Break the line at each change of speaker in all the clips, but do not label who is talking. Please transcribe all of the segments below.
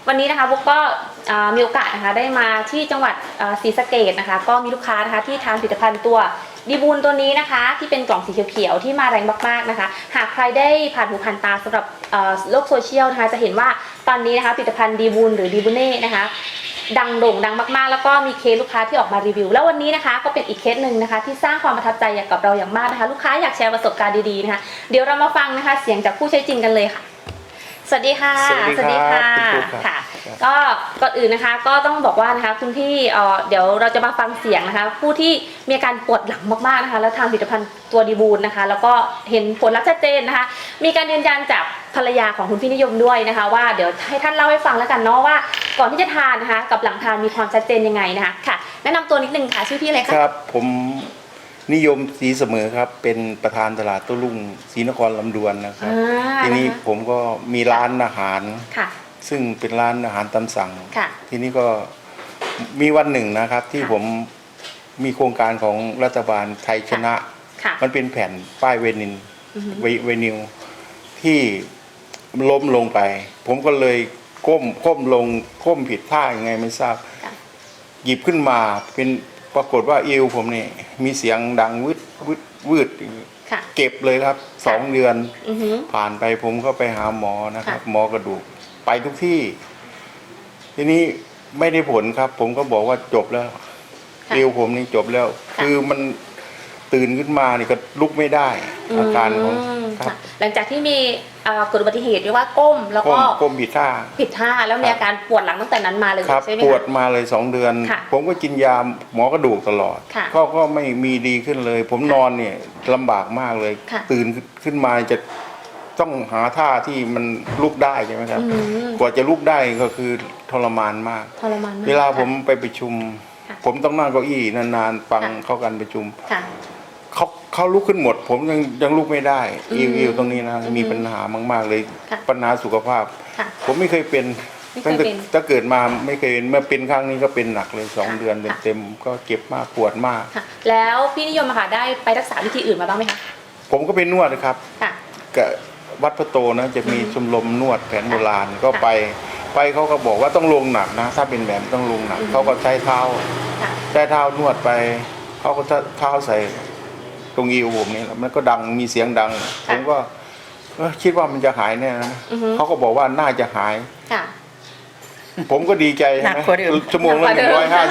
วันนี้นะคะบุ๊กก็มีโอกาสนะคะได้มาที่จังหวัดศรีสะเกษนะคะก็มีลูกค้านะคะที่ทานผลิตภัณฑ์ตัวดีบูนตัวนี้นะคะที่เป็นกล่องสีเขียวๆที่มาแรงมากๆนะคะหากใครได้ผ่านหูผ่านตาสำหรับโลกโซเชียลนะคะจะเห็นว่าตอนนี้นะคะผลิตภัณฑ์ดีบูนหรือดีบูเน่นะคะดังโด่งดังมากๆแล้วก็มีเคสลูกค้าที่ออกมารีวิวแล้ววันนี้นะคะก็เป็นอีกเคสหนึ่งนะคะที่สร้างความประทับใจกับเราอย่างมากนะคะลูกค้าอยากแชร์ประสบการณ์ดีๆนะคะเดี๋ยวเรามาฟังนะคะเสียงจากผู้ใช้จริงกันเลยค่ะสวัสดีค่ะ
สวัสดีค่ะ
ค่ะก็ก่อนอื่นนะคะก็ต้องบอกว่านะคะคุณพี่เดี๋ยวเราจะมาฟังเสียงนะคะผู้ที่มีอาการปวดหลังมากๆนะคะแล้วทานผลิตภัณฑ์ตัวดีบูนนะคะแล้วก็เห็นผลลัพธ์ชัดเจนนะคะมีการยืนยันจากภรรยาของคุณพี่นิยมด้วยนะคะว่าเดี๋ยวให้ท่านเล่าให้ฟังแล้วกันเนาะว่าก่อนที่จะทานนะคะกับหลังทานมีความชัดเจนยังไงนะคะค่ะแนะนำตัวนิดนึงค่ะชื่อพี่อะไรคะ
ครับผมนิยมศรีเสมอครับเป็นประธานตลาดโต้รุ่งศรีนครลำดวนนะครับทีนี้ผมก็มีร้านอาหารซึ่งเป็นร้านอาหารตามสั่งทีนี้ก็มีวันหนึ่งนะครับที่ผมมีโครงการของรัฐบาลไทยชนะมันเป็นแผ่นป้ายเวนิวที่ล้มลงไปผมก็เลยก้มลงก้มผิดท่ายังไงไม่ทราบหยิบขึ้นมาเป็นปรากฏว่าเอวผมเนี่ยมีเสียงดังวืดเก็บเลยครับ2 เดือนผ่านไปผมก็ไปหาหมอนะครับหมอกระดูกไปทุกที่ทีนี้ไม่ได้ผลครับผมก็บอกว่าจบแล้วเอวผมนี่จบแล้วคือมันตื่นขึ้นมานี่ก็ลุกไม่ได้อาการของครับ
หลังจากที่มีเกิดอุบัติเหตุเรียกว่าก้มแล้วก็
ก้มผิดท่า
แล้วมีอาการปวดหลังตั้งแต่นั้นมาเลยใช่ไหมคะ
ปวดมาเลย2 เดือนผมก็กินยาหมอกระดูกตลอดก็ไม่มีดีขึ้นเลยผมนอนเนี่ยลำบากมากเลยตื่นขึ้นมาจะต้องหาท่าที่มันลุกได้ใช่ไหมครับกว่าจะลุกได้ก็คือทรมานมากเวลาผมไปประชุมผมต้องนั่งเก้าอี้นานๆฟังเข้ากันประชุมเขาลุกขึ้นหมดผมยังลุกไม่ได้อิวตรงนี้นะมีปัญหามากๆเลยปัญหาสุขภาพผมไม่เคยเป็นตั้งแต่เกิดมาไม่เคยเมื่อเป็นครั้งนี้ก็เป็นหนักเลย2 เดือนเต็มๆก็เจ็บมากปวดมาก
แล้วพี่นิยมค่ะได้ไปรักษาวิธีอื่นมาบ้างไหมคะ
ผมก็ไปนวดนะครับกับวัดพระโตนะจะมีชมรมนวดแผนโบราณก็ไปเขาก็บอกว่าต้องลงหนักนะถ้าเป็นแบบต้องลงหนักเขาก็ใช้เท้านวดไปเขาก็เท้าใส่ตรงอิวผมนี่แล้วมันก็ดังมีเสียงดังผมก็คิดว่ามันจะหายแน่นะเขาก็บอกว่าน่าจะหายผมก็ดีใจใช่ไหมชั่วโมงละ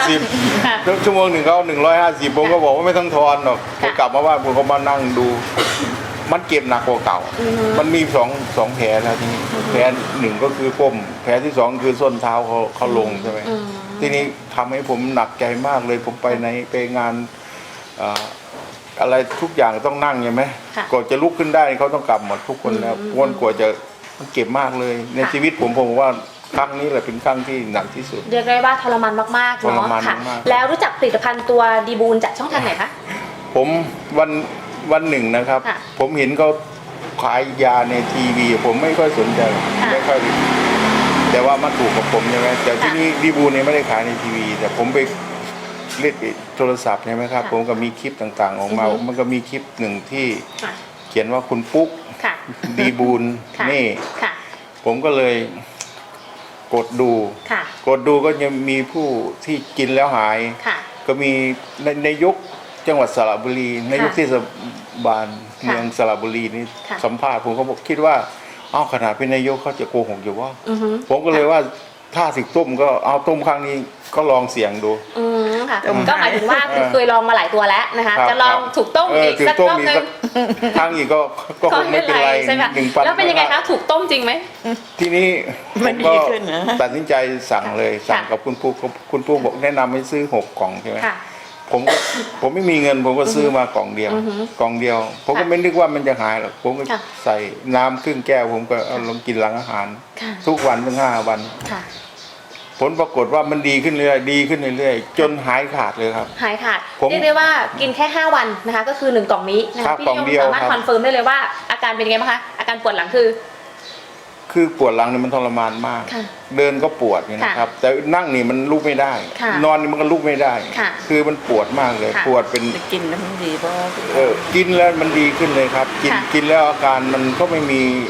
150ชั่วโมงหนึ่งเขา150ผมก็บอกว่าไม่ต้องทอนหรอกผมกลับมาบ้านผมก็มานั่งดูมันเก็บหนักกว่าเก่ามันมีสองแผลนะทีนี้แผลหนึ่งก็คือก้มแผลที่2คือส้นเท้าเขาลงใช่ไหมทีนี้ทำให้ผมหนักใจมากเลยผมไปงานอะไรทุกอย่างต้องนั่งใช่ไหมก่อนจะลุกขึ้นได้เขาต้องกลับหมดทุกคนแล้วกว่าจะมันเก็บมากเลยในชีวิตผมว่าครั้งนี้แหละเป็นครั้งที่หนักที่สุด
เรียกได้ว่าทรมานมากๆเนาะค่ะแล้วรู้จักผลิตภัณฑ์ตัวดีบูนจากช่องทางไหนคะ
ผมวันหนึ่งนะครับผมเห็นเขาขายยาในทีวีผมไม่ค่อยสนใจไม่ค่อยแต่ว่ามาถูกกับผมใช่ไหมแต่ที่นี่ดีบูนเนี่ยไม่ได้ขายในทีวีแต่ผมไปเล่นโทรศัพท์ใช่ไหมครับผมก็มีคลิปต่างๆออกมามันก็มีคลิปหนึ่งที่เขียนว่าคุณปุ๊กดีบูนนี่ผมก็เลยกดดูก็ยังมีผู้ที่กินแล้วหายก็มีในยุคจังหวัดสระบุรีในยุคเทศบาลเมืองสระบุรีนี่สัมภาษณ์ผมก็บอกคิดว่าขนาดเป็นนายกเขาจะโกหกอยู่ว่าผมก็เลยว่าถ้าสิต้มก็เอาต้มครั้งนี้ก็ลองเสี่ยงดู
ค่ะก็หมายถึงว่าเคยลองมาหลายตัวแล้วนะคะจะลองถูกต้มอีกสักรอบนึง
ครั้งอีกก็คงไม่เป็นไร1,000
แล้วเป็นยังไงคะถูกต้มจริงไหม
ทีนี้ผมก็ตัดสินใจสั่งเลยสั่งกับคุณปุ๊บอกแนะนำให้ซื้อ6 กล่องใช่ไหมผมไม่มีเงินผมก็ซื้อมากล่องเดียวผมก็ไม่นึกว่ามันจะหายหรอกผมก็ใส่น้ำครึ่งแก้วผมก็เอาลงกินหลังอาหารทุกวันถึง5 วันผลปรากฏว่ามันดีขึ้นเรื่อยจนหายขาดเลยครับ
หายขาดเรียกได้ว่ากินแค่5 วันนะคะก็คือ1 กล่องนี้นะคะพี่นิยมสามารถคอนเฟิร์มได้เลยว่าอาการเป็นยังไงบ้างคะอาการปวดหลังคือ
ปวดหลังนี่มันทรมานมากเดินก็ปวดนะครับแต่นั่งนี่มันลุกไม่ได้นอนนี่มันก็ลุกไม่ได้คือมันปวดมากเลยปวดเป็น
กินแล้วมันดีเพราะ
กินแล้วมันดีขึ้นเลยครับกินแล้วอาการมันก็ไม่มี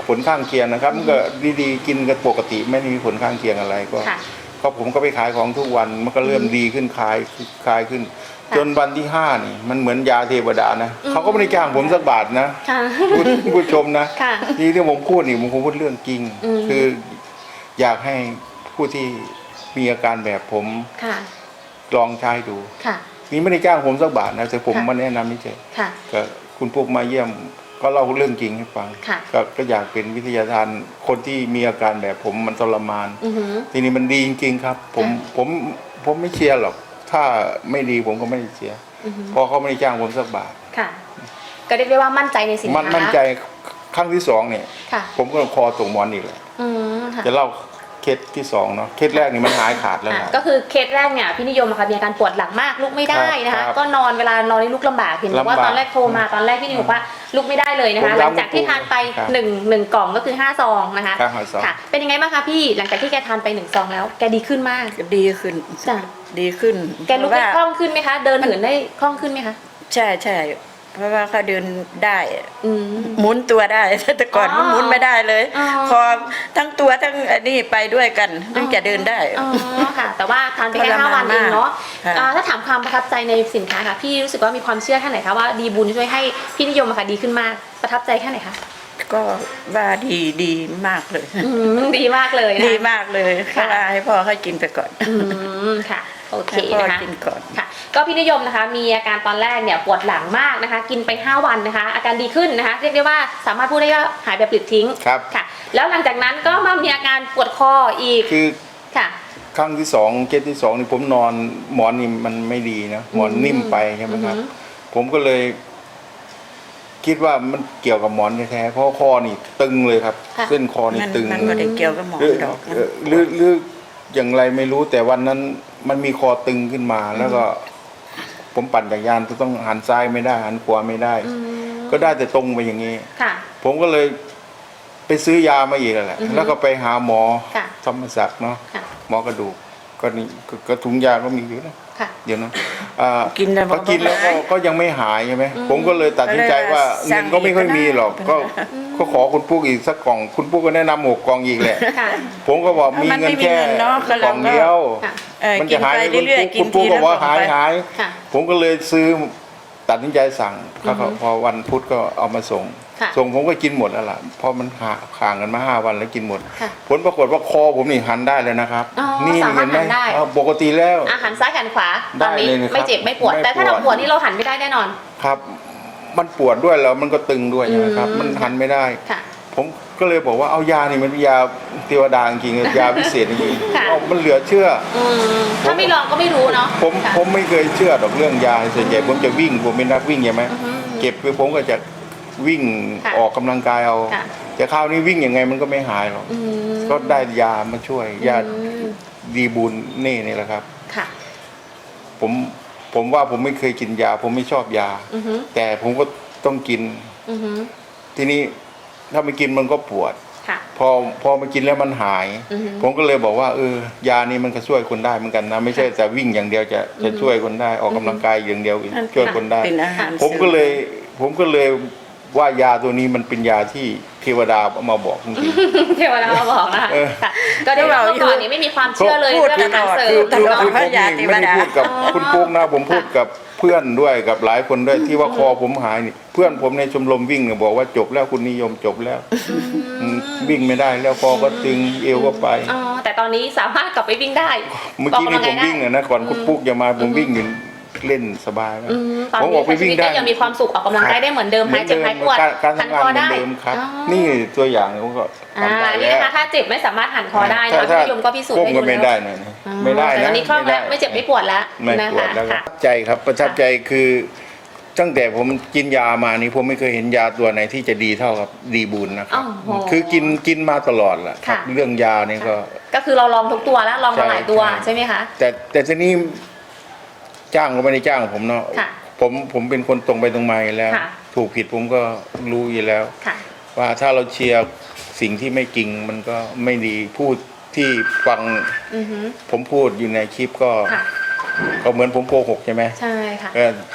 ผลข้างเคียงนะครับมันก็ดีๆกินกันปกติไม่มีผลข้างเคียงอะไรก็
ค่ะ
ก็ผมก็ไปขายของทุกวันมันก็เริ่มดีขึ้นคลายขึ้น
ค่ะ
จนวันที่5นี่มันเหมือนยาเทวดานะเขาก็ไม่ได้จ้างผมสักบาทนะ
ค่ะ
ผู้ชมนะ
ค่ะ
ที่ผมพูดนี่ผมคงพูดเรื่องจริง
อืม
คืออยากให้ผู้ที่มีอาการแบบผม
ค่ะ
ลองใช้ดู
ค่ะ
นี่ไม่ได้จ้างผมสักบาทนะแต่ผม
ค่ะ
มาแนะนำนี่เฉย
ค่ะ
ก็คุณพวกมาเยี่ยมก็เล่าเรื่องจริงให้ฟัง
ค่ะ
ก็อยากเป็นวิทยาทานคนที่มีอาการแบบผมมันทรมาน
อือหือ
ทีนี้มันดีจริงๆครับ ผมไม่เชียร์หรอก ถ้าไม่ดีผมก็ไม่ได้เชียร์
อือหือ
เพราะเขาไม่ได้จ้างผมสักบาท
ค่ะ ก็เรียกได้ว่ามั่นใจในสินค้า
มั่นใจครั้งที่2เนี่ย
ค่ะ
ผมก็คอตกหมอนอีกเลย
อืมค่ะ
จะเล่าเคสที่2เนาะเคสแรกนี่มันหายขาดแล้ว
อ่ะ
นะ
ก็คือเคสแรกเนี่ยพี่นิยมอะค่ะมีอาการปวดหลังมากลุกไม่ได้นะ
ครั
คะ
บ
ก็นอนเวลานอนนี่ลุกลำบากเห็นบอกว่า
ลำบาก
ตอนแรกโทรมาตอนแรกพี่นิยมบอกว่าลุกไม่ได้เลยนะคะ
ผม
หลังจากที่ทานไป
ครับ
หนึ่งกล่องก็คือ5ซองนะคะ
ครับ5ซอง
ค่ะ เป็นยังไงบ้างคะพี่หลังจากที่แกทานไป1ซองแล้วแกดีขึ้นมาก
ก็ดีขึ้น
จ้ะ
ดีขึ้น
แกลุกได้คล่องขึ้นไหมคะ เดินเหินได้คล่องขึ้นไหมคะ
ใช่ใช่เพราะว่าเขาเดินได้
อืม
หมุนตัวได้ แต่ก่อน
อ๋อ
มันหมุนไม่ได้เลย
อ๋อ
คอทั้งตัวทั้งอันนี้ไปด้วยกันถึงจะเดินได้
อ๋อค่ะ แต่ว่าทานไปแค่
ทรมาน
5 วันเองเนาะ
มากค่ะ
ถ้าถามความประทับใจในสินค้าค่ะพี่รู้สึกว่ามีความเชื่อแค่ไหนคะว่าดีบุญช่วยให้พี่นิยมอะค่ะดีขึ้นมากประทับใจแค่ไหนคะ
ก็ว่าดีมากเลย
อืมดีมากเลยนะ
ดีมากเลย
ค่ะ
เขาว่าให้พ่อให้กินไปก่อน
อืมค่ะโอเค
ให้พ่อ
นะคะ
กินก่อน
ค่ะ ก็พี่นิยมนะคะ มีอาการตอนแรกเนี่ยปวดหลังมากนะคะ กินไป5 วันนะคะ อาการดีขึ้นนะคะ เรียกได้ว่าสามารถพูดได้ว่าหายแบบปลิดทิ้ง
ครับ
ค่ะ แล้วหลังจากนั้นก็มามีอาการปวดคออีก
คือ
ค่ะ
ครั้งที่2เคสที่2นี่ผมนอนหมอนนี่มันไม่ดีนะหมอนนิ่มไปใช่ไหมครับ
อือฮึ
ผมก็เลย คิดว่ามันเกี่ยวกับหมอนแท้ๆเพราะคอนี่ตึงเลยครับ
ค่ะ
เส้นคอนี่
มัน
ตึง
มันไม่ได้เกี่ยวกับหมอน
หรือ
ดอกนะ
หรืออย่างไรไม่รู้แต่วันนั้นมันมีคอตึงขึ้นมา แล้วก็ ผมปั่นจักรยานต้องหันซ้ายไม่ได้หันขวาไม่ได้
อืม
ก็ได้แต่ตรงไปอย่างนี้
ค่ะ
ผมก็เลยไปซื้อยามาอีกแหละ
อือฮึ
แล้วก็ไปหาหมอ
ค่ะ
ธรรมศักดิ์เนาะ
ค่ะ
หมอกระดูกก็นี่ก็ถุงยาก็มีอยู่นะ
ค่ะ
เดี๋ยวนะ
กินแล้ว
พอกินแล้วก็ยังไม่หายใช่ไหมผมก็เลยตัดสินใจว่า
ก็เลย
เงินก็ไม่ค่อยมีหรอก
สั่ง
ก็ขอคุณปุ๊กอีกสักกล่อง คุณปุ๊กก็แนะนำ6 กล่องอีกแหละ
ค่ะ
ผมก็บอกมี
มัน
เงิ
ไม่
น
มี
แค่
เงินเนาะก็
ก
เรา
ล่องเดียว
ค่ะ
มันจะหาย
กินไปเรื่อยๆ
คุณปุ๊ก
กินที
ก็บอกว่า
ละกล่องไป
หาย
ค่ะ
ผมก็เลยซื้อตัดสินใจสั่งแล้วก็พอวันพุธก็เอามาส่ง
ค่ะ
ส่งผมก็กินหมดแล้วล่ะเพราะมันห่างกันมา5 วันแล้วกินหมด
ค่ะ
ผลปรากฏว่าคอผมนี่หันได้เลยนะครับ
อ๋อ
นี่
สามารถ
เห็นไหม
หันได้
ปกติแล้ว
อาหารซ้ายหันขวาตอนนี้
ได้เลยนะครับ
ไม่เจ็บไม่ปวด
ไม่
แต่ถ้า
ปวด
เราปวดนี่เราหันไม่ได้แน่นอน
ครับ มันปวดด้วยแล้วมันก็ตึงด้วยนะครับ
อืม
มันหันไม่ได้
ค่ะ
ผมก็เลยบอกว่าเอายานี่มันเป็นยาเทวดาจริงๆยาพิเศษจริง
ค่ะ
ๆเอามันเหลือเชื่อ
อืมถ้าไม่ลองก็ไม่รู้เนาะ
ผม
ค่ะ
ผมไม่เคยเชื่อดอกเรื่องยาส่วนใหญ่ผมจะวิ่งผมเป็นนักวิ่งใช่ไหม
อือฮึ
เก็บคือผมก็จะวิ่ง
ค่ะ
ออกกำลังกายเอา
ค่ะ
แต่คราวนี้วิ่งยังไงมันก็ไม่หายหรอก
อืม
ก็ได้ยามาช่วยยา
อืม
ดีบูลนี่แหละครับ
ค่ะ
ผมว่าผมไม่เคยกินยา ผมไม่ชอบยา
อือฮึ
แต่ผมก็ต้องกิน
อือฮึ
ทีนี้ถ้าไม่กินมันก็ปวด
ค่ะ
พอมากินแล้วมันหาย
อือฮึ
ผมก็เลยบอกว่ายานี้มันก็ช่วยคนได้เหมือนกันนะ ไม่ใช่แต่วิ่งอย่างเดียวจะช่วยคนได้ออกกำลังกายอย่างเดียวช่วยคนได้
เป็นอาหาร
ผมก็เลยว่ายาตัวนี้มันเป็นยาที่เทวดาเอามาบอกจริง
เทวดามาบอกนะคะ
เออ
ค่ะ ก็ได้ว่าเมื่อก่อนนี้ไม่มีความเชื่อเลย
พูด
เรื่องอาหารเสริ
พู
ม
ดตลอด
คือ
พ
ผ
ระ
ม
ยา
นี่
เทว
ไม่ได้
ดา
พูดกับ
อ๋อ
คุณปุ๊กนะผมพูดกับเพื่อนด้วยกับหลายคนด้วยที่ว่าคอผมหายนี่เพื่อนผมในชมรมวิ่งเนี่ยบอกว่าจบแล้วคุณนิยมจบแล้ววิ่งไม่ได้แล้วคอก็ตึงเอวก็ไป
อ๋อแต่ตอนนี้สามารถกลับไปวิ่งได้
เมื่อกี้นี่ผมวิ่งเนี่ยนะก่อนคุณปุ๊กจะมาผมวิ่งอยู่เล่นสบายมาก
อืมตอน
ผม
นี้
ออกไป
ชี
วิ่
วิ
ง
ต
ได้
ก็ยังมีความสุขออกกำลังกายได้เหมือนเดิมหายเจ็บหายปวด
การ
หัน
ทำงา
คน อ
เหมือ
ได้
นเดิมครับ
อ๋อ
นี่ตัวอย่างผมก็
อ่า
ทำได้
นี่
แล้ว
นะคะถ้าเจ็บไม่สามารถหันคอได้นะพี่นิยมก็พิสูจน์
ก้ม
ให้
ก็
ดู
ไม่
แล้ว
ได้นะ
อ๋อ
ไม่ได้
แต่
นะ
ตอนนี้คล่องแล้วไม่เจ็บไม่ปวดแล้ว
ไม่
นะ
ปวด
คะ
แล้วก็
ค่ะ
ประทับใจครับประทับใจคือตั้งแต่ผมกินยามานี่ผมไม่เคยเห็นยาตัวไหนที่จะดีเท่ากับดีบูลนะครับ
โอ้โห
คือกินมาตลอดแหละครับ
ค่ะ
เรื่องยานี่ก็
ก็คือเราลองทุกตัวแล้วลองมาหลายตัว
ใช่
ใช่ไหมคะ
แต่ทีนี้จ้างก็ไม่ได้จ้างผมเนาะ
ค่ะ
ผมเป็นคนตรงไปตรงมาอยู่แล้ว
ค่ะ
ถูกผิดผมก็รู้อยู่แล้ว
ค่ะ
ว่าถ้าเราเชียร์สิ่งที่ไม่จริงมันก็ไม่ดีพูดที่ฟัง
อือฮึ
ผมพูดอยู่ในคลิปก็
ค่ะ
ก็เหมือนผมโกหกใช่ไหม
ใช่ค่ะ
ก็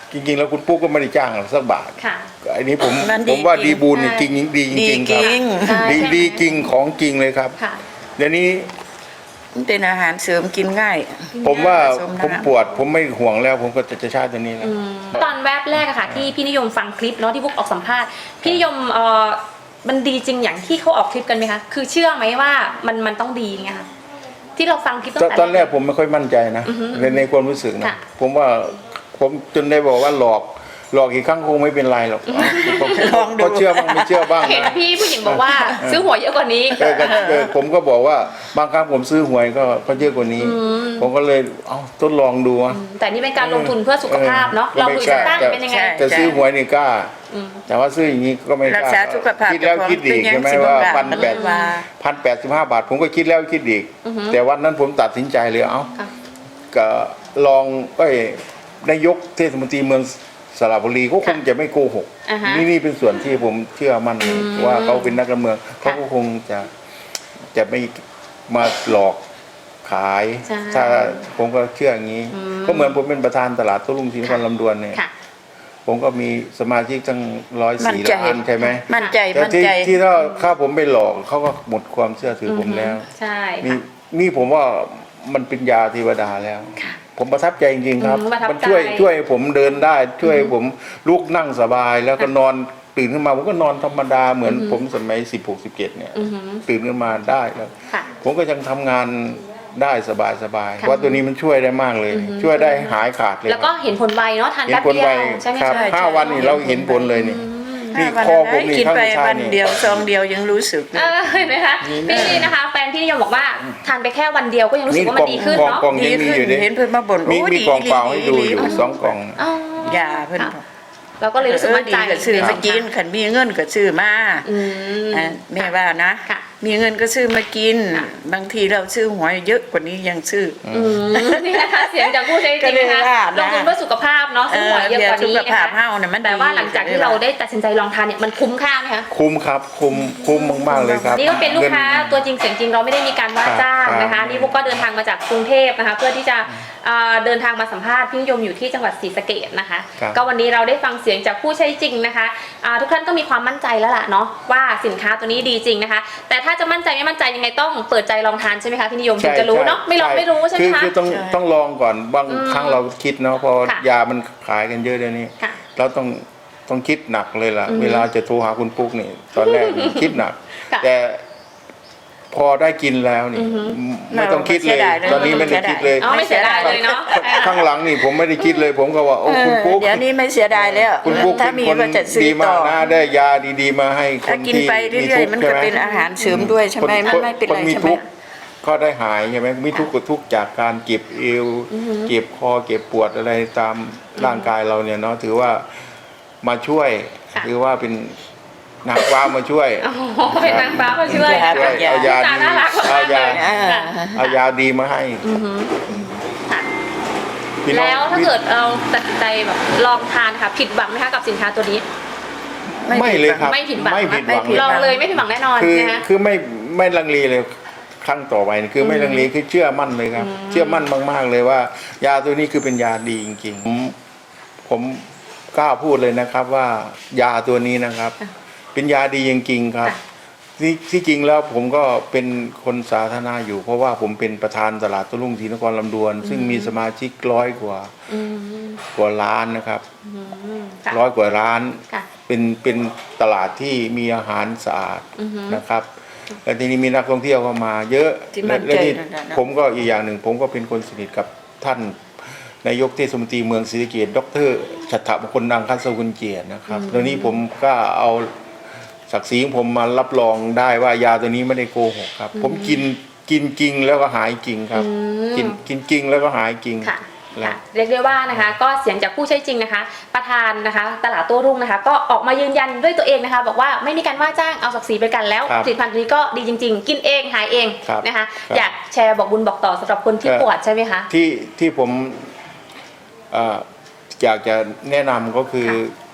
จริงๆแล้วคุณปุ๊กก็ไม่ได้จ้างเราสักบาท
ค่ะ
อันนี้ผม
มันดี
ว่า
จริง
ดีบูลเนี่ยจริงดีจริงๆครับ
ใช่
ดีจริงของจริงเลยครับ
ค่ะ
เดี๋ยวนี้
มันเป็นอาหารเสริมกินง่าย
ผมว่า
ผสมน้ำ
ผมปวดผมไม่ห่วงแล้ว ผมก็จะใช้ตัวนี้แล้ว
ตอนแวบแรกอะค่ะที่พี่นิยมฟังคลิปเนาะที่พวกออกสัมภาษณ์พี่นิยมมันดีจริงอย่างที่เขาออกคลิปกันไหมคะคือเชื่อไหมว่ามันต้องดีไงคะที่เราฟังคลิปตั้งแต่
ตอนแรกผมไม่ค่อยมั่นใจนะในความรู้สึกนะ
ค่ะ
ผมว่าผมจนได้บอกว่าหลอกอีกครั้งคงไม่เป็นไรหรอก
ลองดู
เขาเชื่อบ้างไม่เชื่อบ้าง
เห็น
นะ
พี่ผู้หญิงบอกว่าซื้อหวยเยอะกว่านี้
ผมก็บอกว่าบางครั้งผมซื้อหวยก็เยอะกว่านี้ ผมก็เลยเอาทดลองดูอะ
แต่นี่เป็นการลงทุนเพื่อสุขภาพเนาะลองดูจะตั้งเป็นยังไง
ใช่
แต่ซื้อหวยนี่กล้า แต่ว่าซื้ออย่างนี้ก็ไม่ก
รัก
ล้า
ษาสุขภาพ
คิดแล้วคิดอีก
เป็นยัง
ใช่ไหม
สิบ
ว่า
บาท
พัน
มัน
แปด
ว่า
1,085 บาท ผมก็คิดแล้วคิดอีก แต่วันนั้นผมตัดสินใจเลยเอ้า
ค่ะ
ก็ลองนายกเทศมนตรีเมืองสระบุรีก็คงจะไม่โกหก
อ่าฮะ
นี่เป็นส่วนที่ผมเชื่อมั่นว่าเขาเป็นนักการเมืองเขาก็คงจะไม่มาหลอกขาย
ใช่
ถ้าผมก็เชื่ออย่างนี้ ก็เหมือนผมเป็นประธานตลาดโต้รุ่งศรีนครลำดวนเนี่ย
ค่ะ
ผมก็มีสมาชิกตั้ง
มั่นใจ
104 ล้านใช่ไหม
มั่นใจ
แต่
มั่น
ที่
ใจ
ที่ถ้าผมไปหลอกเขาก็หมดความเชื่อถือผมแล้ว
ใช่
นี่
ค่ะ
นี่ผมว่ามันเป็นยาเทวดาแล้ว
ค่ะ
ผมประทับใจจริงๆครับ
ประทับใจ
มันช่วยผมเดินได้ ช่วยผมลุกนั่งสบาย แล้วก็นอนตื่นขึ้นมาผมก็นอนธรรมดาเหมือนผมสมัย16-17เนี่ย
อือหือ
ตื่นขึ้นมาได้แล้ว
ค่ะ
ผมก็ยังทำงานได้สบายๆเพราะตัวนี้มันช่วยได้มากเลย ช่วยได้หายขาดเลย
แล้วก็เห็นผลไวเนาะทาน
เห็น
แป๊บ
ผล
เดีย
ไว
วใช่ไหม
ครับ
คะ
ใช่
5 วันนี่เราเห็นผลเลยนี่นี่
ถ้า
คอ
วัน
ผม
ไหน
นี่
กิน
ข้าง
ไป
ซ้าย
วัน
นี่
เดียวซองเดียวยังรู้สึกเลย
เห็นไหมคะพี่นะคะแฟนพี่นิยมบอกว่าทานไปแค่วันเดียวก็ยังรู้สึกว่ามันดีขึ้นเนาะ
กล่องยังมีอยู่ดิ
เห็นเพื่อนมาบ่น
มี
โอ้
มี
ดี
กล่องเปล่าให้ดู
ดี
อยู่
ดี
2 กล่อง
อ๋อ
ยาเพื่อน
ค่ะเราก็เลยรู้สึกมั่นใจ
ดีก็ซื้อมากินขันมีเงินก็ซื้อมา
อืม
อ่ะแม่ว่านะ
ค่ะ
มีเงินก็ซื้อมากิน
ค่ะ
บางทีเราซื้อหวยเยอะกว่านี้ยังซื้อ
นี่นะคะเสียงจากผู้ใช้จ
ก็
ริง
เลย
นะคะ
ว่า
ล
นะ
งทุนเพื่อสุขภาพเนาะซื้อหวยเยอะกว่านี้
สุข
นะ
ภาพ
คะ
เฮาเนี่ยมัน
แต่ว่าหลังจากที่เราได้ตัดสินใจลองทานเนี่ยมันคุ้มค่าไหมคะ
คุ้มครับคุ้มมากๆเลยครับ
นี่ก็เป็นลูกค้าตัวจริงเสียงจริงเราไม่ได้มีการว่าจ้างนะคะ
ครับ
นี่พวกก็เดินทางมาจากกรุงเทพนะคะ เพื่อที่จะเดินทางมาสัมภาษณ์พี่นิยมอยู่ที่จังหวัดศรีสะเกษนะคะ
ครับ
ก็วันนี้เราได้ฟังเสียงจากผู้ใช้จริงนะคะทุกท่านก็มีความมั่นใจแล้วล่ะเนาะว่าสินค้าตัวนี้ดีจริงนะคะ แต่ถ้าจะมั่นใจไม่มั่นใจยังไงต้องเปิดใจลองทานใช่ไหมคะพี่นิยมถึงจะรู้เนาะไม่ลองไม่รู้ใช่ไหมคะ
คือต้องลองก่อนบางครั้งเราคิดเนาะพอ
ค่ะ
ยามันขายกันเยอะเดี๋ยวนี้
ค่ะ
เราต้องคิดหนักเลยล่ะ
อืม
เวลาจะโทรหาคุณปุ๊กนี่ตอนแรกนี่คิดหนัก
ค่ะ
แต่พอได้กินแล้วนี่
อือฮึ
ไม่ต้องคิดเลย
ไม่เสียดายเลย
ตอนนี้ไม่ได้คิดเลย
อ๋อไม่เสียดายเลยเนาะ
ข้างหลังนี่ผมไม่ได้คิดเลย ผมก็ว่าโอ้คุณปุ๊ก
เดี๋ยวนี้ไม่เสียดายแล้ว
คุณปุ๊ก
ถ้า
เป็น
มี
คน
ก็จะซื้อ
ดี
ต่
มา
อก
นะได้ยาดีๆมาให้ค
ถ้าน กิน
ที่
ไปเรื่อยๆมันก็เป็นอาหารเสริมด้วยใช่ไหมมันไม่เป็น
ค
ไร
มี
ใช่ไหม
ทุกข์ก็ได้หายใช่ไหมมีทุกข์ก็ทุกข์จากการเก็บเอวเก็บคอเก็บปวดอะไรตามร่างกายเราเนี่ยเนาะถือว่ามาช่วย
ค่ะ
ถือว่าเป็นนางฟ้ามาช่วย
โอ้โหเป็นนางฟ้ามาช่วย
ค่ะ
ช่วยเอายา
ตา
ดี
น่ารักมาก
เอายา
เลย ค่ะ
เอายาดีมาให้
ค่ะ
พี่น้อง
แล้วถ้าเกิดเราตัดสินใจแบบลองทานค่ะผิดหวังไหมคะกับสินค้าตัวนี้
ไม่เลยครับ
ไม่ผิดหวัง
ไม่ผิดหวัง
ไม่ผิด
ล
ห
อ
วั
งเลยไม่ผิดหวังแน่นอน
คือ
นะคะ
คือไม่ลังเลเลยครั้งต่อไปนี่คือไม่ลังเลคือเชื่อมั่นเลยครับ เชื่อมั่นมากๆเลยว่า ยาตัวนี้คือเป็นยาดีจริงๆผมกล้าพูดเลยนะครับว่ายาตัวนี้นะครับ เป็นยาดีจริงๆครับ
ค่ะ
ที่จริงแล้วผมก็เป็นคนสาธารณะอยู่ เพราะว่าผมเป็นประธานตลาดโต้รุ่งศรีนครลำดวน ซึ่งมีสมาชิก100 กว่าล้านนะครับ
ค่ะ
100 กว่าล้าน
ค่ะ
เป็นตลาดที่มีอาหารสะอาด
อือฮึ
นะครับ และทีนี้มีนักท่องเที่ยวเข้ามา เยอะ
ที่มั่นใจ
และที่
นั่นน่ะนะ
ผมก็อีกอย่างหนึ่ง ผมก็เป็นคนสนิทกับท่านนายกเทศมนตรีเมืองศรีสะเกษดร.ฉัตรมงคลดังคันสกุลเกียรตินะครับตอนนี้ผมก็เอาศักดิ์ศรีของผมมารับรองได้ว่ายาตัวนี้ไม่ได้โกหกครับ ผมกินจริงแล้วก็หายจริงครับ กินจริงแล้วก็หายจริง
ค่ะ
แล้ว
ค่ะเรียกได้ว่านะคะ ก็เสียงจากผู้ใช้จริงนะคะ ประธานนะคะ ตลาดโต้รุ่งนะคะ ก็ออกมายืนยันด้วยตัวเองนะคะ บอกว่าไม่มีการว่าจ้างเอาศักดิ์ศรีไปกันแล้ว
ครับ
ผลิตภัณฑ์ตัวนี้ก็ดีจริง ๆ กินเองหายเอง
ครับ
นะคะ
ครับ
อยากแชร์บอกบุญบอกต่อสำหรับคนที่ปวดใช่ไหมคะ
ที่ผมอยากจะแนะนำก็คือ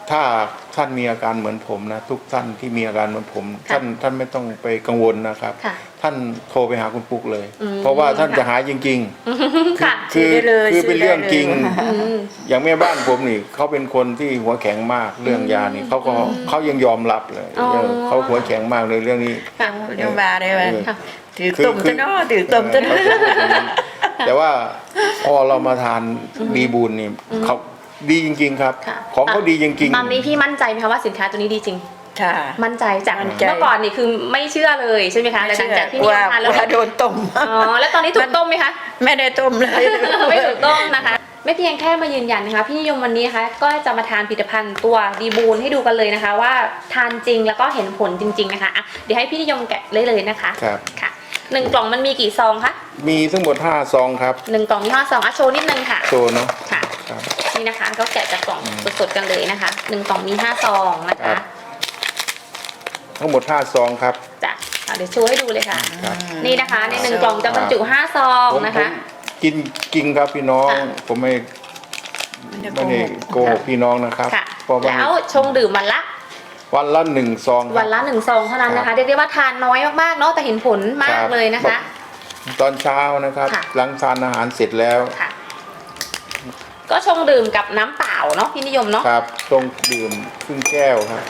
ถ้าท่านมีอาการเหมือนผมนะทุกท่านที่มีอาการเหมือนผม
ค่ะ
ท่านไม่ต้องไปกังวลนะครับ
ค่ะ
ท่านโทรไปหาคุณปุ๊กเลย
อืม
เพราะว่าท่าน
ค่ะ
จะหายจริง
ค่ะ
ๆ คือ
ซื้อได้เลย
คือเป็นเรื่องจริง
ซื้อได้เลย
อืม
อย่างแม่บ้านผมนี่เขาเป็นคนที่หัวแข็งมากเรื่องยานี่เขายังยอมรับเลย
อ๋อ
เขาหัวแข็งมากเลยเรื่องนี้
ค่ะ
เดี๋ยวมาได้ไหม
ค่ะ
ถือตุ่มตัวเนาะถือตุ่มตัวเนาะ
แต่ว่าพอเรามาทานดีบูลนี่เขาดีจริง ๆ ครับ
ค่ะ
ของเขาดีจริง
ตอนนี้พี่มั่นใจไหมคะว่าสินค้าตัวนี้ดีจริง
ค่ะ
มั่นใจจาก
มั่นใจ
เมื่อก่อนนี่คือไม่เชื่อเลยใช่ไหมคะแต่หลังจากที่นิยมทานแล้ว
ว่าโดนต้ม
อ๋อแล้วตอนนี้ถูกต้มไหมคะ
ไม่ได้ต้มเลย
ไม่ถูกต้องนะคะไม่เพียงแค่มายืนยันนะคะพี่นิยมวันนี้นะคะก็จะมาทานผลิตภัณฑ์ตัวดีบูนให้ดูกันเลยนะคะ ว่าทานจริงแล้วก็เห็นผลจริง ๆนะคะอ่ะเดี๋ยวให้พี่นิยมแกะเลยนะคะ
ครับ
ค่ะ1กล่องมันมีกี่ซองคะ
มีทั้งหมด5ซองครับ
1กล่องมี5ซองอ่ะโชว์นิดนึงค่ะ
โซเนาะ
ค่ะ
ครับ
นี่นะคะก็แกะจากกล่องสดๆกันเลยนะคะ1กล่องมี5ซองนะ
ครั
คะ
บ ทั้งหมด5ซองครับ
จ้ะอ่ะเดี๋ยวโชว์ให้ดูเลยค่ะ
ครับ
นี่นะคะใน1กล่องจะบรรจุ5ซอง
ผม
นะคะ
กินครับพี่น้อง
ค่ะ
ผมไม่ได้โกหกพี่น้องนะครับ
ค่ะ
เพราะว่า
แล้วชงดื่มวันละ
1ซองค
วั
รับ
นละ1ซองเท่านั้นนะ
ครั
คะ
บ
เรียกได้ว่าทานน้อยมากๆเนาะแต่เห็นผลมากเลยนะคะ
ตอนเช้านะครับ
ค่ะ
หลังทานอาหารเสร็จแล้ว
ค่ะ ก็ชงดื่มกับน้ำเปล่าเนาะพี่นิยมเนาะ
ครับต้องดื่มครึ่งแก้วครับ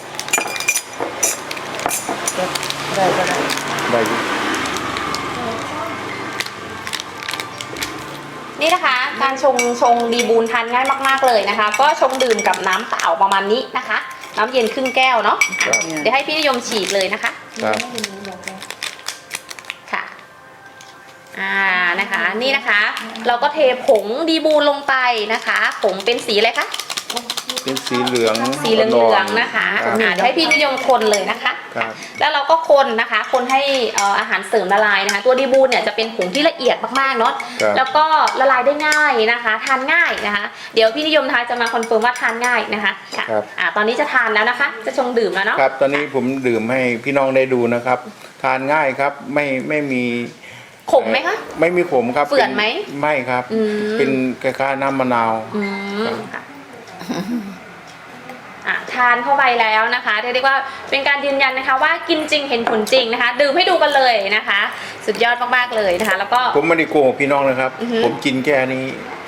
ได้ก็ได้
ได้อยู่
นี่นะคะ การชงดีบูนทานง่ายมากๆเลยนะคะ ก็ชงดื่มกับน้ำเปล่าประมาณนี้นะคะ น้ำเย็นครึ่งแก้วเนาะ
ครับ
เดี๋ยวให้พี่นิยมฉีดเลยนะคะ
ครับ
ค่ะนะคะ นี่นะคะ เราก็เทผงดีบูนลงไปนะคะผงเป็นสีอะไรคะ
เป็นสีเหลือง
สีเหลืองๆนะคะ
ครับ
เดี๋ยวให้พี่นิยมคนเลยนะคะ
ครับ
แล้วเราก็คนนะคะ คนให้อาหารเสริมละลายนะคะ ตัวดีบูนเนี่ยจะเป็นผงที่ละเอียดมากๆเนาะ
ครับ
แล้วก็ละลายได้ง่ายนะคะ ทานง่ายนะคะ เดี๋ยวพี่นิยมทานจะมาคอนเฟิร์มว่าทานง่ายนะคะค่ะ
ครับ
ตอนนี้จะทานแล้วนะคะ จะชงดื่มแล้วเนาะ
ครับ ตอนนี้ผมดื่มให้พี่น้องได้ดูนะครับ ทานง่ายครับ ไม่มี
ขมไหมคะ
ไม่มีขมครับ
เฝื่อนไหม
ไม่ครับ
อืม
เป็นคล้ายๆน้ำมะนาว
อืมค่ะทานเข้าไปแล้วนะคะเรียกว่าเป็นการยืนยันนะคะ ว่ากินจริงเห็นผลจริงนะคะ ดื่มให้ดูกันเลยนะคะ สุดยอดมากๆเลยนะคะ แล้วก็
ผมไม่ได้โกหกพี่น้องนะครับ
อือฮึ
ผมกินแค่นี้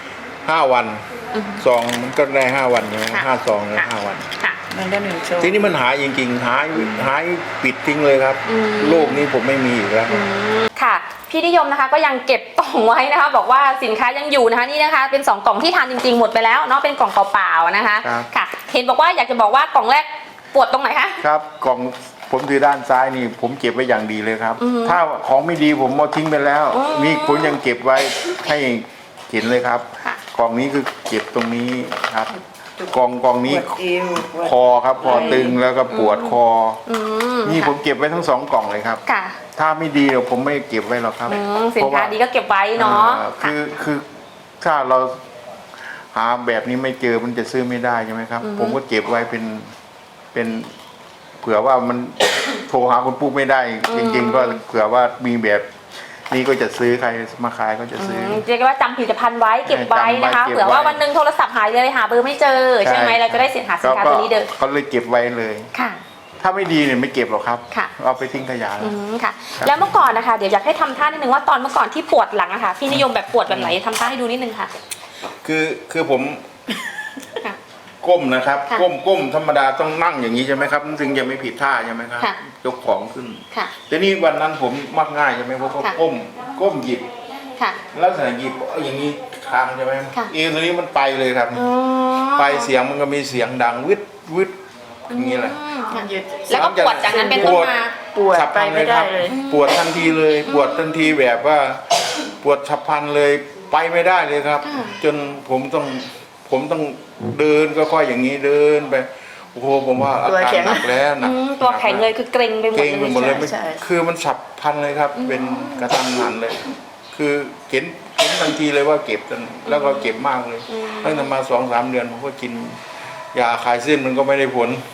5 วัน
อือฮึ
ซองมันก็ได้5 วันใช่ไหม
ค่ะ
5 ซองเลย
ค่ะ
5 วัน
ค่ะ
มันได้1 ชั่ว
ทีนี้มันหายจริงๆหายปิดทิ้งเลยครับ
อืม
โลกนี้ผมไม่มีอีกแล้ว
ค่ะ พี่นิยมนะคะก็ยังเก็บกล่องไว้นะคะ บอกว่าสินค้ายังอยู่นะคะนี่นะคะ เป็น2กล่องที่ทานจริงๆหมดไปแล้วเนาะเป็นกล่องเปล่าๆนะคะ
ครับ
ค่ะ เห็นบอกว่าอยากจะบอกว่ากล่องแรกปวดตรงไหนคะ
ครับกล่องผมถือด้านซ้ายนี่ผมเก็บไว้อย่างดีเลยครับ
อือฮึ
ถ้าของไม่ดีผมเอาทิ้งไปแล้ว
อ๋อ
นี่ผมยังเก็บไว้ให้เห็นเลยครับ
ค่ะ
กล่องนี้คือเก็บตรงนี้ครับกล่องนี้
ปวดเอวปวด
คอครับคอตึงแล้วก็ปวดคอ
อืม
นี่ผม
ค่ะ
เก็บไว้ทั้ง2 กล่องเลยครับ
ค่ะ
ถ้าไม่ดีเดี๋ยวผมไม่เก็บไว้หรอกครับ
สินค้าดีก็เก็บไว้เนาะ
คือถ้าเราหาแบบนี้ไม่เจอมันจะซื้อไม่ได้ใช่ไหมครับ ผมก็เก็บไว้เป็นเผื่อว่ามัน โทรหาคุณปุ๊กไม่ได้ จริง ๆ ก็เผื่อว่ามีแบบนี้ก็จะซื้อใครมาขายก็จะซื้อ
เรียกว่าจำผลิตภัณฑ์ไว้เก็บไว้นะคะ
จำไว้เก็บไว้
เผื่อว่าวันหนึงโทรศัพท์หายเลยหาเบอร์ไม่เจอใช่ไหมเราจะได้หาสินค้าตัวนี้เดิม
เขาเลยเก็บไว้เลย
ค่ะ
ถ้าไม่ดีเนี่ยไม่เก็บหรอกครับ
ค่ะ
เอาไปทิ้งขยะแล้ว
ค่ะ แล้วเมื่อก่อนนะคะเดี๋ยวอยากให้ทำท่านิดนึงว่าตอนเมื่อก่อนที่ปวดหลังอะค่ะพี่นิยมแบบปวดแบบไหนทำท่าให้ดูนิดนึงค่ะ
คือผม
ค่ะ
ก้มนะครับ
ค่ะ
ก้มธรรมดาต้องนั่งอย่างนี้ใช่ไหมครับถึงจะไม่ผิดท่าใช่ไหมครับ
ค่ะ
ยกของขึ้น
ค่ะ
แต่นี่วันนั้นผมมักง่ายใช่ไหมผมก็
ค่ะ
ก้มหยิบ
ค่ะ
ลักษณะหยิบอย่างนี้ทางใช่ไหม
ค่ะ
เอวตัวนี้มันไปเลยครับ
อ๋อ
ไปเสียงมันก็มีเสียงดังวึดอย่างนี้แหละ
ค่ะ
หยุด
แล้วก็ปวดจากนั้นเป็นต้นมา
ปวด
ฉับพ
ไป
ลัน
ไม่ได้เลย
ปวดทันทีเลยปวดทันทีแบบว่า ปวดฉับพลันเลยไปไม่ได้เลยครับ
ค่ะ
จนผมต้องเดินก็ค่อยอย่างนี้เดินไปโอ้โหผมว่าอาการหนักแล้วหนัก
ตัวแข็งเลยคือเกร็งไปหมด
เก่งไปหมด
เล
เลย ยไม่
ใช่
คือมันฉับพลันเลยครับ เป็นกระทันหันเลย คือเห็นทันทีเลยว่าเก็บจนแล้วก็เก็บมากเลยตั้งแต่มา2-3 เดือนผมก็กินยาคลายเส้นมันก็ไม่ได้ผล
อืม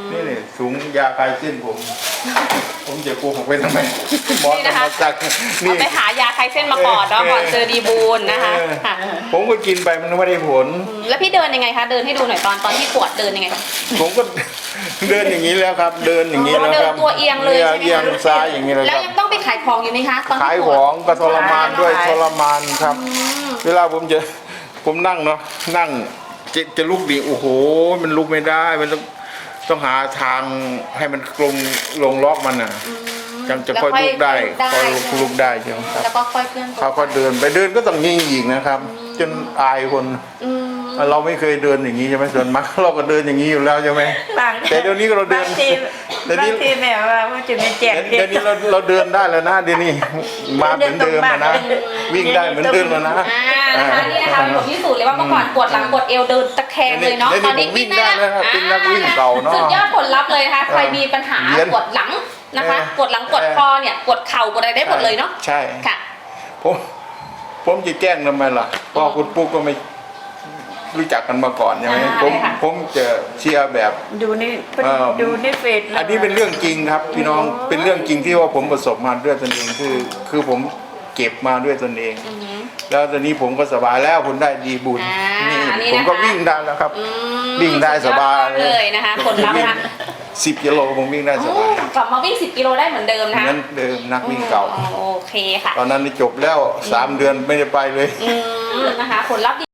นี่เลยสูงยาคลายเส้นผมจะโกหกไปทำไมหมอ
นี่
ธร
นะคะ
รมจักร
เอาไปหายาคลายเส้นมาก่อนเนาะก่อนเจอดีบูลนะคะค่ะ
ผมก็กินไปมันไม่ได้ผล
แล้วพี่เดินยังไงคะเดินให้ดูหน่อยตอนที่ปวดเดินยังไงคะ
ผมก็ เดินอย่างนี้แล้วครับ เดินอย่างนี้แล้วครับ
เดินตัวเอียงเลยใช่ไหมคะ
เอียงซ้ายอย่างนี้เลย
แล้
คว รับ
ยังต้องไปขายของอยู่ไหมคะตอน
ขาย
ที่
ข
ปว
อ
ด
งก็ทรมานด้วยทรมานครับ เวลาผมนั่งเนาะนั่งจะลุกดีโอ้โหมันลุกไม่ได้มันต้องหาทางให้มันลงล็อกมันอ่ะจังจะค่อยลุกได้ค่อยลุกได้ใช่ไหมครับ
แล้วก็ค่อยเคลื่อนตัว
เขาก็เดินไปเดินก็ต้องยิงอีกนะครับ จนอายคน
อืม
เราไม่เคยเดินอย่างนี้ใช่ไหมส่วนมากเราก็เดินอย่างนี้อยู่แล้วใช่ไหม
บาง
แต่เดี๋ยวนี้เราเดิน
บางที
เดี๋ยวนี้
บางทีแม่ว่ามันจะไม่แจก
เดี๋ยวนี้เราเดินได้แล้วนะเดี๋ยวนี้มาเหมือนเดิมแล้วนะวิ่งได้เหมือนเดิมแล้วนะ
นะคะนี่นะคะผมพิสูจน์เลยว่าเมื่อก่อนปวดหลังปวดเอวเดินตะแคงเลยเนาะ
เดี๋ยวนี้
ตอนนี้
ผมวิ่งได้แล้วครับเป็นนักวิ่งเก่าเนอะ
สุดยอดผลลัพธ์เลยนะคะใครมีปัญหา
เรียน
ปวดหลังนะคะ ปวดหลังปวดคอเนี่ยปวดเข่าปวดอะไรได้หมดเลยเนาะ
ใช่
ค่ะ
ผมจะแกล้งทำไมล่ะเพราะคุณปุ๊กก็ไม่รู้จักกันมาก่อนใช่ไหมผมจะเชียร์แบบ
ดูนี่ ดูในเฟซ
อันนี้เป็นเรื่องจริงครับพี่น้องเป็นเรื่องจริงที่ว่าผมประสบมาด้วยตนเองคือผมเก็บมาด้วยตนเอง แล้วตอนนี้ผมก็สบายแล้วผมได้ดีบุญ
นี่
นี่ผมก็วิ่งได้แล้วครับ วิ่งได้สบาย
เลยนะคะผลลัพธ์นะคะ
10 กิโลผมวิ่งได้ส
โอ้
บาย
กลับมาวิ่ง10 กิโลได้เหมือนเดิม
เห
นะคะ
มือนเดิมนักวิ่งเก่า
โอเคค่ะ
ตอนนั้นจบแล้ว3 เดือนไม่ได้ไปเลย
นะคะผลลัพธ์